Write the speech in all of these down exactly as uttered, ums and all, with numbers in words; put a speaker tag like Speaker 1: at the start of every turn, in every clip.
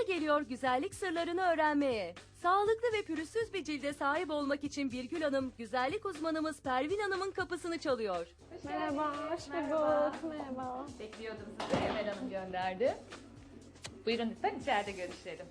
Speaker 1: Sıra geliyor güzellik sırlarını öğrenmeye. Sağlıklı ve pürüzsüz bir cilde sahip olmak için Birgül Hanım, güzellik uzmanımız Pervin Hanım'ın kapısını çalıyor.
Speaker 2: Merhaba, hoş bulduk. Merhaba.
Speaker 3: Bekliyordum sizi, Emel Hanım gönderdi. Buyurun lütfen içeride görüşelim.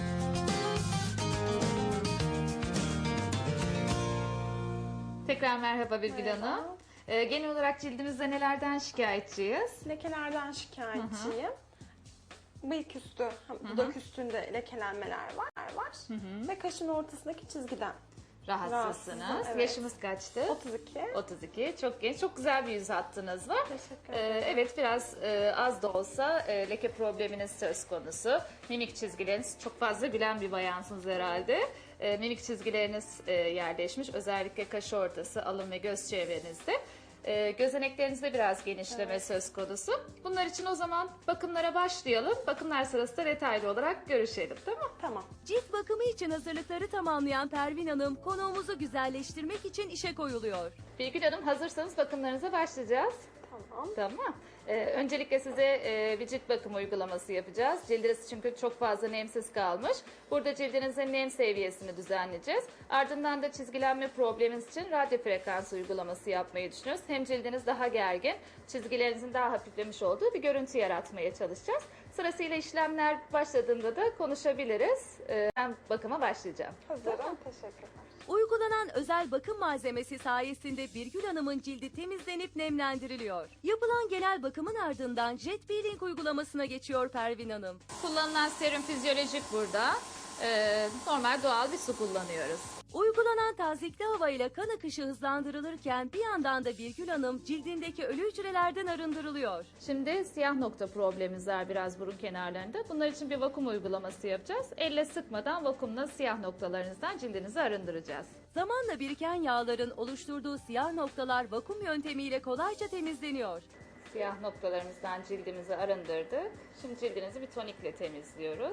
Speaker 3: Tekrar merhaba Birgül
Speaker 2: Merhaba.
Speaker 3: Hanım. Ee, genel olarak cildimizde nelerden şikayetçiyiz?
Speaker 2: Lekelerden şikayetçiyim. Bıyık üstü, dudak üstünde lekelenmeler var, var. Ve kaşın ortasındaki çizgiden.
Speaker 3: Rahatsızsınız.
Speaker 2: Rahatsızım, evet.
Speaker 3: Yaşımız kaçtı?
Speaker 2: otuz iki.
Speaker 3: otuz iki. Çok genç, çok güzel bir yüz hattınız var.
Speaker 2: Teşekkür
Speaker 3: Ee,
Speaker 2: ederim.
Speaker 3: evet, biraz e, az da olsa e, leke probleminiz söz konusu. Mimik çizgileriniz, çok fazla gülen bir bayansınız herhalde. E, mimik çizgileriniz e, yerleşmiş. Özellikle kaş ortası, alın ve göz çevrenizde. E, gözeneklerinizde biraz genişleme
Speaker 2: Evet.
Speaker 3: söz konusu. Bunlar için o zaman bakımlara başlayalım. Bakımlar sırasında detaylı olarak görüşelim, tamam?
Speaker 2: Tamam.
Speaker 1: Cilt bakımı için hazırlıkları tamamlayan Pervin Hanım, konuğumuzu güzelleştirmek için işe koyuluyor.
Speaker 3: Birgül Hanım, hazırsanız bakımlarınıza başlayacağız.
Speaker 2: Tamam.
Speaker 3: Tamam. Ee, öncelikle size e, bir cilt bakımı uygulaması yapacağız. Cildiniz çünkü çok fazla nemsiz kalmış. Burada cildinizin nem seviyesini düzenleyeceğiz. Ardından da çizgilenme probleminiz için radyo frekans uygulaması yapmayı düşünüyoruz. Hem cildiniz daha gergin, çizgilerinizin daha hafiflemiş olduğu bir görüntü yaratmaya çalışacağız. Sırasıyla işlemler başladığında da konuşabiliriz. Ee, ben bakıma başlayacağım.
Speaker 2: Hazırım. Teşekkürler.
Speaker 1: Uygulanan özel bakım malzemesi sayesinde Birgül Hanım'ın cildi temizlenip nemlendiriliyor. Yapılan genel bakımın ardından jet peeling uygulamasına geçiyor Pervin Hanım.
Speaker 3: Kullanılan serum fizyolojik burada. Ee, normal doğal bir su kullanıyoruz.
Speaker 1: Uygulanan tazikli havayla kan akışı hızlandırılırken bir yandan da Birgül Hanım cildindeki ölü hücrelerden arındırılıyor.
Speaker 3: Şimdi siyah nokta problemimiz var biraz burun kenarlarında. Bunlar için bir vakum uygulaması yapacağız. Elle sıkmadan vakumla siyah noktalarınızdan cildinizi arındıracağız.
Speaker 1: Zamanla biriken yağların oluşturduğu siyah noktalar vakum yöntemiyle kolayca temizleniyor.
Speaker 3: Siyah noktalarımızdan cildimizi arındırdık. Şimdi cildinizi bir tonikle temizliyoruz.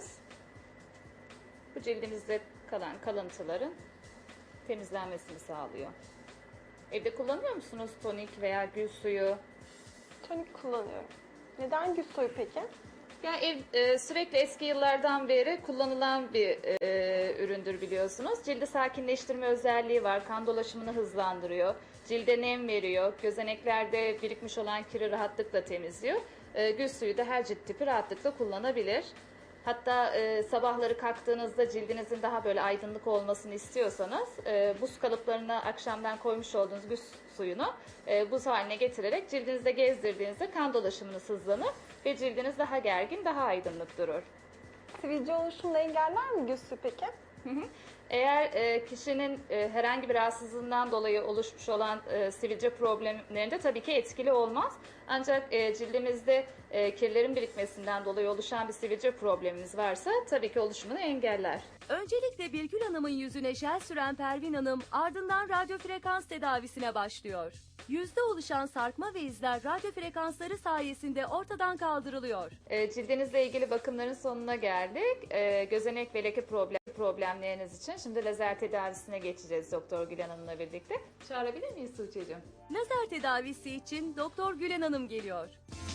Speaker 3: Bu cildimizde kalan kalıntıların temizlenmesini sağlıyor. Evde kullanıyor musunuz tonik veya gül suyu?
Speaker 2: Tonik kullanıyorum. Neden gül suyu peki?
Speaker 3: Yani ev, e, sürekli eski yıllardan beri kullanılan bir e, üründür biliyorsunuz. Cildi sakinleştirme özelliği var. Kan dolaşımını hızlandırıyor. Cilde nem veriyor. Gözeneklerde birikmiş olan kiri rahatlıkla temizliyor. E, gül suyu da her cilt tipi rahatlıkla kullanabilir. Hatta e, sabahları kalktığınızda cildinizin daha böyle aydınlık olmasını istiyorsanız e, buz kalıplarına akşamdan koymuş olduğunuz gül suyunu e, buz haline getirerek cildinizde gezdirdiğinizde kan dolaşımınız hızlanır ve cildiniz daha gergin, daha aydınlık durur.
Speaker 2: Sivilce oluşumunu engeller mi gül suyu peki?
Speaker 3: Hı hı. Eğer e, kişinin e, herhangi bir rahatsızlığından dolayı oluşmuş olan e, sivilce problemlerinde tabii ki etkili olmaz. Ancak e, cildimizde e, kirlerin birikmesinden dolayı oluşan bir sivilce problemimiz varsa tabii ki oluşumunu engeller.
Speaker 1: Öncelikle Birgül Hanım'ın yüzüne jel süren Pervin Hanım ardından radyo frekans tedavisine başlıyor. Yüzde oluşan sarkma ve izler radyo frekansları sayesinde ortadan kaldırılıyor.
Speaker 3: E, cildinizle ilgili bakımların sonuna geldik. E, gözenek ve leke problem, problemleriniz için şimdi lazer tedavisine geçeceğiz Doktor Gülen Hanım'la birlikte. Çağırabilir miyiz Tuğçe'cim?
Speaker 1: Lazer tedavisi için Doktor Gülen Hanım geliyor.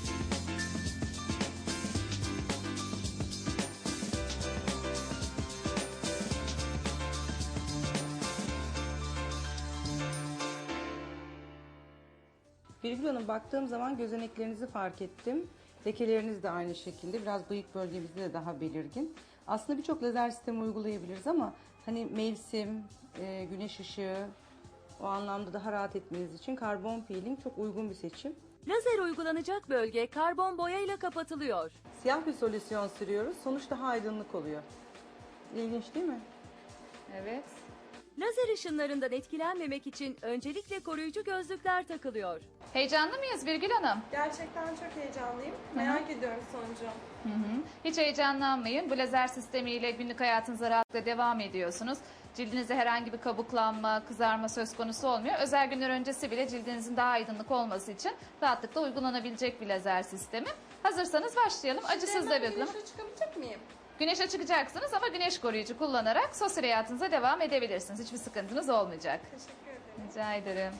Speaker 4: Birgül Hanım, baktığım zaman gözeneklerinizi fark ettim. Lekeleriniz de aynı şekilde. Biraz bıyık bölgemizde de daha belirgin. Aslında birçok lazer sistemi uygulayabiliriz ama hani mevsim, e, güneş ışığı o anlamda daha rahat etmeniz için karbon peeling çok uygun bir seçim.
Speaker 1: Lazer uygulanacak bölge karbon boyayla kapatılıyor.
Speaker 4: Siyah bir solüsyon sürüyoruz. Sonuç daha aydınlık oluyor. İlginç değil mi?
Speaker 3: Evet.
Speaker 1: Lazer ışınlarından etkilenmemek için öncelikle koruyucu gözlükler takılıyor.
Speaker 3: Heyecanlı mıyız Birgül Hanım?
Speaker 2: Gerçekten çok heyecanlıyım. Merak ediyorum sonucu.
Speaker 3: Hı hı. Hiç heyecanlanmayın. Bu lazer sistemiyle günlük hayatınıza rahatlıkla devam ediyorsunuz. Cildinizde herhangi bir kabuklanma, kızarma söz konusu olmuyor. Özel günler öncesi bile cildinizin daha aydınlık olması için rahatlıkla uygulanabilecek bir lazer sistemi. Hazırsanız başlayalım. Acısız da bir uygulama.
Speaker 2: Güneşe çıkabilecek miyim?
Speaker 3: Güneşe çıkacaksınız ama güneş koruyucu kullanarak sosyal hayatınıza devam edebilirsiniz. Hiçbir sıkıntınız olmayacak.
Speaker 2: Teşekkür ederim.
Speaker 3: Rica ederim.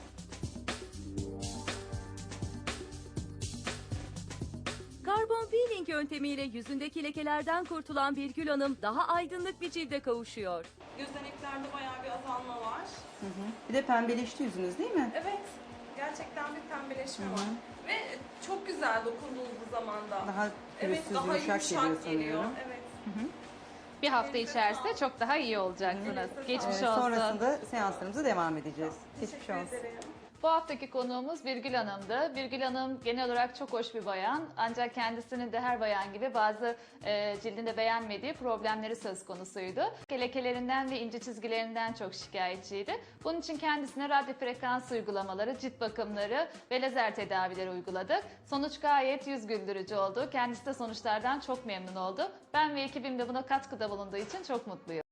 Speaker 1: Karbon peeling yöntemiyle yüzündeki lekelerden kurtulan Birgül Hanım daha aydınlık bir cilde kavuşuyor.
Speaker 2: Gözeneklerde bayağı bir azalma var.
Speaker 4: Bir de pembeleşti yüzünüz değil mi?
Speaker 2: Evet, gerçekten bir pembeleşme var. Ve çok güzel dokunduğu zaman da.
Speaker 4: Daha
Speaker 2: Evet,
Speaker 4: pürüzsüz,
Speaker 2: daha
Speaker 4: yumuşak
Speaker 2: yumuşak,
Speaker 4: geliyor
Speaker 2: geliyor.
Speaker 4: sanıyorum.
Speaker 2: Evet.
Speaker 3: Bir hafta içerisinde çok daha iyi olacaksınız. Geçmiş
Speaker 4: Ee,
Speaker 3: olsun.
Speaker 4: sonrasında seanslarımıza devam edeceğiz. Geçmiş
Speaker 2: Teşekkür
Speaker 4: olsun.
Speaker 2: ederim.
Speaker 3: Bu haftaki konuğumuz Birgül Hanım'dı. Birgül Hanım genel olarak çok hoş bir bayan. Ancak kendisinin de her bayan gibi bazı e, cildinde beğenmediği problemleri söz konusuydu. Lekelerinden ve ince çizgilerinden çok şikayetçiydi. Bunun için kendisine radyo frekans uygulamaları, cilt bakımları ve lazer tedavileri uyguladık. Sonuç gayet yüz güldürücü oldu. Kendisi de sonuçlardan çok memnun oldu. Ben ve ekibim de buna katkıda bulunduğu için çok mutluyum.